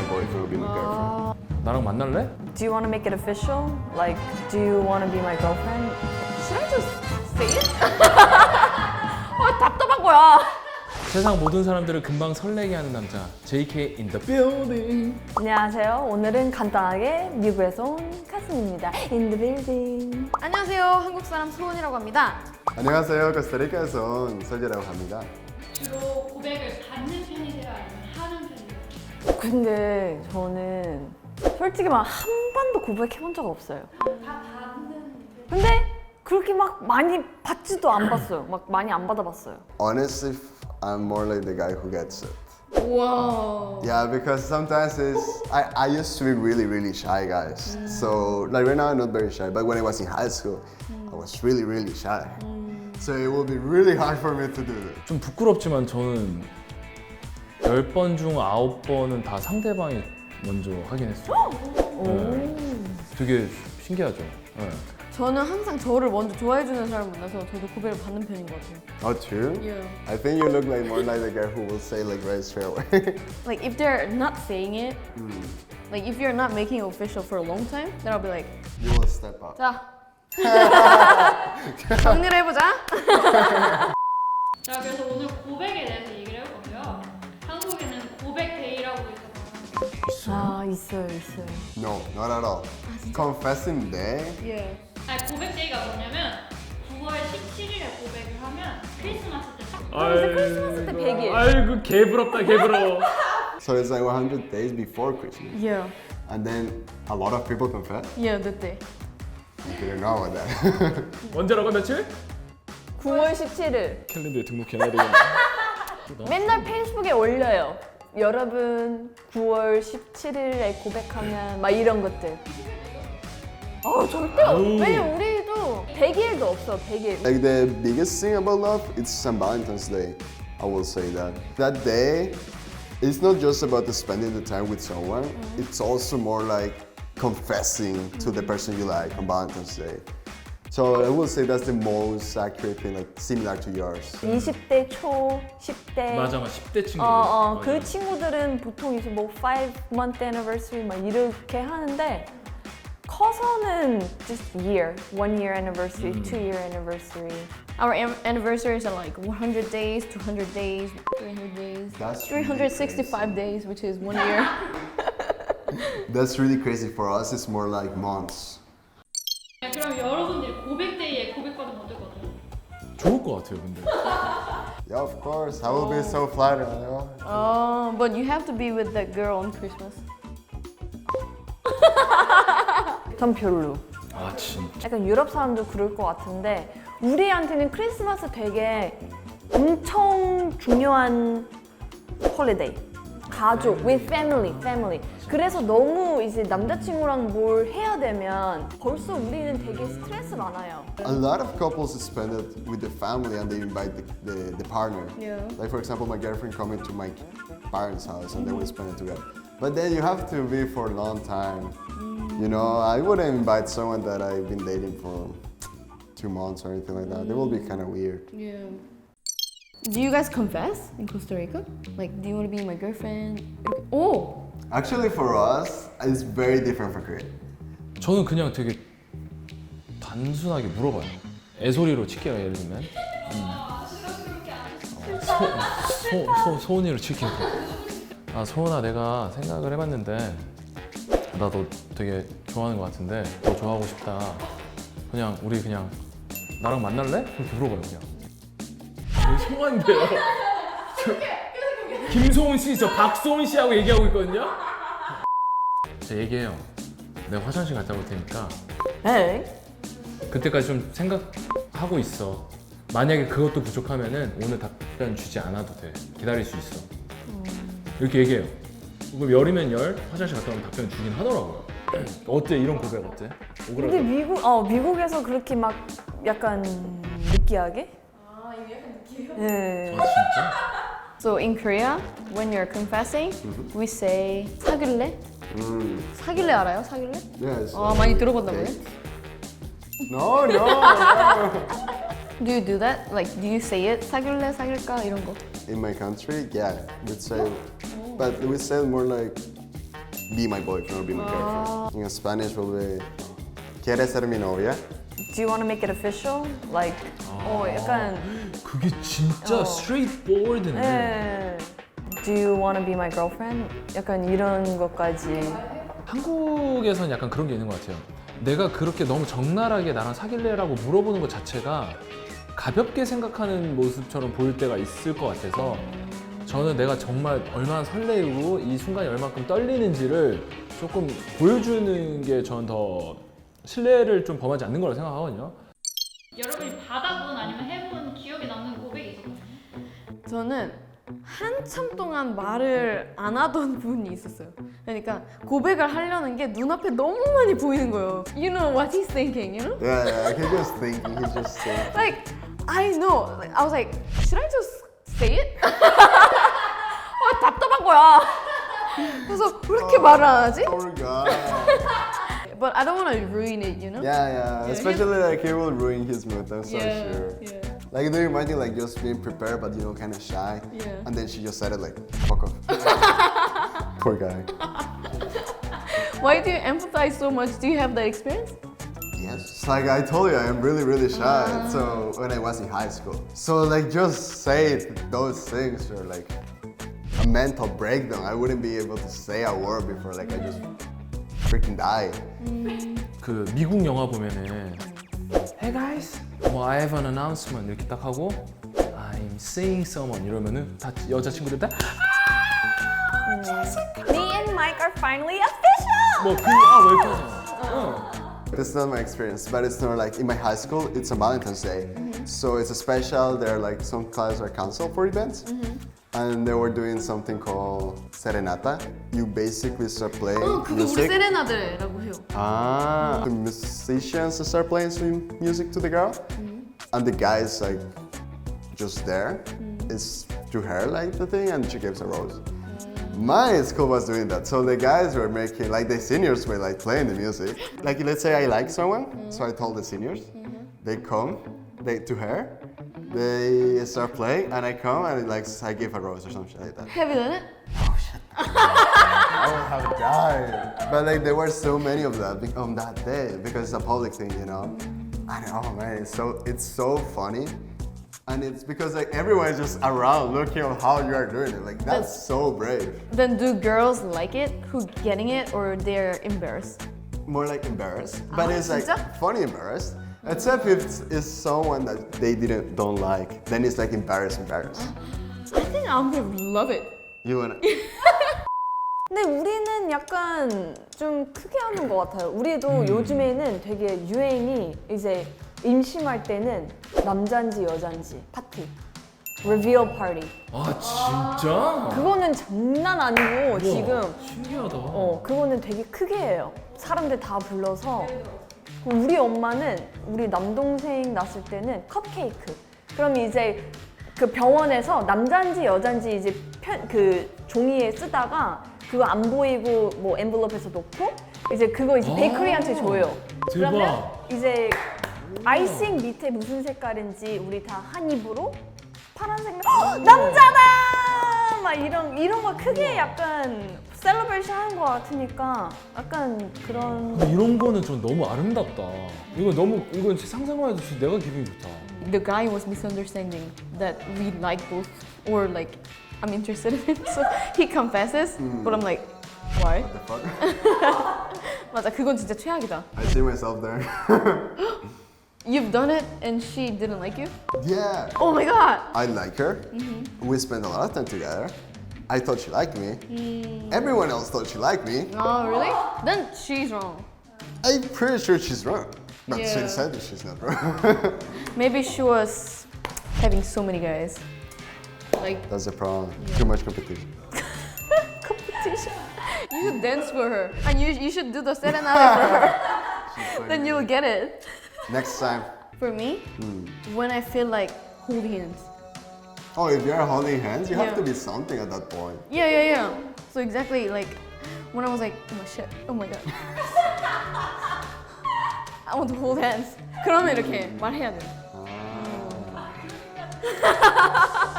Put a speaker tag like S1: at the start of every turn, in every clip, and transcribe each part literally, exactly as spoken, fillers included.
S1: my boyfriend or be my girlfriend.
S2: 나랑 만날래?
S3: Do you want to make it official? Like, do you want to be my girlfriend? Should I just say it? 아, 답답한 거야.
S2: 세상 모든 사람들을 금방 설레게 하는 남자 제이케이 in the building.
S3: 안녕하세요. 오늘은 간단하게 미국에서 온 카슨입니다. In the building.
S4: 안녕하세요. 한국 사람 소은이라고 합니다.
S1: 안녕하세요. 코스타리카에서 온 설재라고 합니다.
S5: 주로 고백을 받는 편이세요? 아니면 하는 편이세요?
S3: 근데 저는 솔직히 막 한 번도 고백해본 적 없어요.
S5: 다 받는
S3: 근데 그렇게 막 많이 받지도 안 봤어요. 막 많이 안 받아봤어요.
S1: Honestly, I'm more like the guy who gets it.
S4: 와.
S1: Yeah, because sometimes it's I, I used to be really really shy, guys. So like right now I'm not very shy, but when I was in high school, I was really really shy. So it will be really hard for me to do that.
S2: 좀 부끄럽지만 저는 열 번 중 아홉 번은 다 상대방이 먼저 하긴 했어요. 네. 되게 신기하죠. 네.
S4: 저는 항상 저를 먼저 좋아해주는 사람 만나서 저도 고백을 받는 편인 것 같아요.
S1: Oh, true?
S4: Yeah.
S1: I think you look like more like the guy who will say like right straight away.
S4: Like if they're not saying it, like if you're not making it official for a long time, then I'll be like,
S1: You will step up.
S4: 자, 정리를 해보자.
S5: 자, 그래서 오늘 고백에 대해서 얘기를 해볼 건데요. 한국에는 고백 데이라고 있어서
S3: 아 있어요 있어요.
S1: No, not at all. Confessing day?
S4: Yeah.
S5: 아니, 고백 데이가 뭐냐면 구월 십칠일에 고백을 하면 크리스마스 때 딱
S3: 이제 크리스마스 때 백 일.
S2: 아이고 개부럽다 개부러워.
S1: So it's like one hundred days before Christmas.
S4: Yeah.
S1: And then a lot of people confess.
S4: Yeah, 그때.
S1: You didn't know about that.
S2: 언제라고 며칠?
S3: 구월 십칠일.
S2: 캘린더에 등록해놔야 되겠네.
S3: 맨날 페이스북에 올려요. 여러분 구월 십칠일에 고백하면 막 이런 것들. 아 절대 없.
S2: 아우.
S3: 왜냐면 우리도 백 일도 없어. 백 일.
S1: Like the biggest thing about love, it's Saint Valentine's Day. I will say that. That day, it's not just about the spending the time with someone. It's also more like confessing to the person you like on Valentine's Day. So I will say that's the most accurate thing, like similar to yours.
S3: 이십 대 초, 십 대.
S2: 맞아 맞아 십 대 친구들.
S3: 어, 어,
S2: 맞아.
S3: 그 친구들은 보통 이제 뭐 five month anniversary 막 이렇게 하는데 커서는 just year, one year anniversary, two year anniversary.
S4: Our an- anniversaries are like one hundred days, two hundred days, three hundred days,
S1: That's
S4: three hundred sixty-five days, which is one year.
S1: That's really crazy for us. It's more like months.
S5: 네, 그럼 여러분들이 고백 데이에 고백받으면 어떨 것 같아요?
S2: 좋을 것 같아요 근데.
S1: Yeah, of course. I will be so flattered. You know?
S4: Oh, but you have to be with that girl on Christmas.
S3: 전 별로.
S2: 아 진짜.
S3: 약간 유럽 사람도 그럴 것 같은데 우리한테는 크리스마스 되게 엄청 중요한 홀리데이. 가족, with family, family. 그래서 너무 이제 남자친구랑 뭘 해야 되면 벌써 우리는 되게 스트레스 많아요.
S1: A lot of couples spend it with the family and they invite the, the, the partner.
S4: Yeah.
S1: Like for example, my girlfriend coming to my parents' house and then we spend it together. But then you have to be for a long time. You know, I wouldn't invite someone that I've been dating for two months or anything like that. It will be kind of weird.
S4: Yeah. Do you guys confess in Costa Rica? Like, do you want to be my girlfriend? Oh!
S1: Actually, for us, it's very different for Korea.
S2: 저는 그냥 되게 단순하게 물어봐요. 애소리로 칠게요 예를 들면. 음. 소, 소, 소, 소은이로 칠게요. 아 소은아 내가 생각을 해봤는데 나 너 되게 좋아하는 것 같은데 너 좋아하고 싶다. 그냥 우리 그냥 나랑 만날래? 그렇게 물어봐요 그냥. 송한데요. 김소은 씨, 저 박소은 씨하고 얘기하고 있거든요. 저 얘기해요. 내가 화장실 갔다 올 테니까
S3: 에이?
S2: 그때까지 좀 생각하고 있어. 만약에 그것도 부족하면은 오늘 답변 주지 않아도 돼. 기다릴 수 있어. 이렇게 얘기해요. 그럼 열이면 열, 화장실 갔다 오면 답변 주긴 하더라고요. 어때? 이런 고백 어때?
S3: 근데
S2: 오그라들어.
S3: 미국, 어, 미국에서 그렇게 막 약간 느끼하게? 아, 이게 약간 느끼해요? 네.
S2: 아 진짜?
S4: So in Korea, when you're confessing, we say 사귈래?
S1: Mm.
S4: 사귈래 알아요? 사귈래?
S1: Yes.
S4: 아, 많이 들어봤나 보네.
S1: No, no, no.
S4: Do you do that? Like, do you say it? 사귈래? 사귈까? 이런 거.
S1: In my country, yeah, we'd say, but we say more like be my boyfriend or be my girlfriend. In Spanish will be ¿Quieres ser mi novia?
S3: Do you want to make it official? Like, 어, 약간
S2: 그게 진짜
S3: 어.
S2: straightforward네.
S3: 네. Do you want to be my girlfriend? 약간 이런 것까지.
S2: 한국에선 약간 그런 게 있는 것 같아요. 내가 그렇게 너무 적나라하게 나랑 사귈래라고 물어보는 것 자체가 가볍게 생각하는 모습처럼 보일 때가 있을 것 같아서 저는 내가 정말 얼마나 설레고 이 순간이 얼마큼 떨리는지를 조금 보여주는 게 전 더 신뢰를 좀 범하지 않는 거라고 생각하거든요.
S5: 여러분이 받아본 아니면 해본 기억에 남는 고백이 있어요?
S4: 저는 한참 동안 말을 안 하던 분이 있었어요. 그러니까 고백을 하려는 게 눈앞에 너무 많이 보이는 거예요. You know what he's thinking, you know?
S1: Yeah, yeah, he's just thinking, he's just saying.
S4: Like, I know. Like, I was like, should I just say it? 아, 답답한 거야. 그래서 왜 이렇게 말을 안 하지?
S1: Oh my god.
S4: But I don't want to ruin it, you know?
S1: Yeah, yeah, especially like he will ruin his mood, I'm so
S4: yeah,
S1: sure.
S4: yeah.
S1: Like, do you imagine like just being prepared but you know kind of shy?
S4: Yeah.
S1: And then she just said it like, fuck off. Poor guy.
S4: Why do you empathize so much? Do you have that experience?
S1: Yes, it's like I told you, I'm really, really shy. So when I was in high school, so like just say those things or like a mental breakdown. I wouldn't be able to say a word before like I just freaking die.
S2: 그 미국 영화 보면은 Hey guys, 뭐 I have an announcement 이렇게 딱 하고 I'm seeing someone 이러면은 다 여자친구들 다
S3: Me and Mike are finally official!
S2: 뭐 그 아 왜 이렇게 하잖아.
S1: It's not my experience, but it's not like in my high school. It's a Valentine's Day, so it's a special. There are like some classes are canceled for events, and they were doing something called serenata. You basically start playing
S4: 어, 그거 우리
S1: music.
S4: 세레나데라고 해요.
S1: Ah, the musicians start playing some music to the girl, and the guy is like just there. It's to her like the thing, and she gives a rose. My school was doing that, so the guys were making like the seniors were like playing the music. Like let's say I like someone, so I told the seniors, they come, they to her, they start playing, and I come and like I give a rose or something like that.
S4: Have you done it?
S1: I would have died. But like there were so many of that be- on that day because it's a public thing, you know. And oh man, it's so it's so funny, and it's because like everyone is just around looking at how you are doing it. Like that's so brave.
S4: Then do girls like it? Who getting it or they're embarrassed?
S1: More like embarrassed, but
S4: Ah,
S1: it's like
S4: 진짜?
S1: funny embarrassed. Except if it's, it's someone that they didn't don't like, then it's like embarrassed, embarrassed.
S4: I think I'm gonna love it.
S1: You wanna?
S3: 근데 우리는 약간 좀 크게 하는 것 같아요. 우리도 요즘에는 되게 유행이 이제 임신할 때는 남잔지 여잔지 파티, reveal party.
S2: 아 진짜?
S3: 그거는 장난 아니고 지금
S2: 신기하다.
S3: 어 그거는 되게 크게 해요. 사람들 다 불러서 우리 엄마는 우리 남동생 낳았을 때는 컵케이크. 그럼 이제 그 병원에서 남잔지 여잔지 이제 편, 그 종이에 쓰다가 그거 안 보이고 뭐 엔블롭에서 놓고 이제 그거 이제
S2: 아,
S3: 베이커리한테 줘요.
S2: 대박.
S3: 그러면 이제 아이싱 밑에 무슨 색깔인지 우리 다 한 입으로 파란색 헉, 남자다 막 이런 이런 거 크게 약간 셀러브레이션 하는 거 같으니까 약간 그런
S2: 근데 이런 거는 전 너무 아름답다. 이거 너무 이건 진짜 상상만 해도 진짜 내가 기분이 좋다.
S4: The guy was misunderstanding that we like both or like I'm interested in him. So he confesses, but I'm like, why?
S1: The fuck?
S4: 맞아, 그건 진짜 최악이다.
S1: I see myself there.
S4: You've done it and she didn't like you?
S1: Yeah.
S4: Oh my god!
S1: I like her. We spent a lot of time together. I thought she liked me. Everyone else thought she liked me.
S4: Oh, really? Then she's wrong.
S1: I'm pretty sure she's wrong. But
S4: Yeah.
S1: she said that she's not wrong.
S4: Maybe she was having so many guys. Like
S1: That's the problem. Too much competition.
S4: competition. You should dance for her. And you, you should do the serenade for her. Then you'll get it.
S1: Next time.
S4: For me, when I feel like hold hands.
S1: Oh, if you're holding hands, you
S4: Yeah.
S1: have to be something at that point.
S4: Yeah, yeah, yeah. So exactly like when I was like, oh my shit, oh my god. I want to hold hands. 그러면 이렇게 말해야 돼.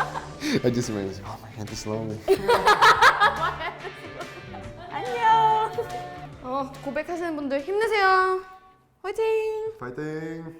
S1: I just remember, oh my hand is lonely.
S3: 안녕.
S4: 어, 고백하시는 분들 힘내세요. 화이팅!
S1: 파이팅!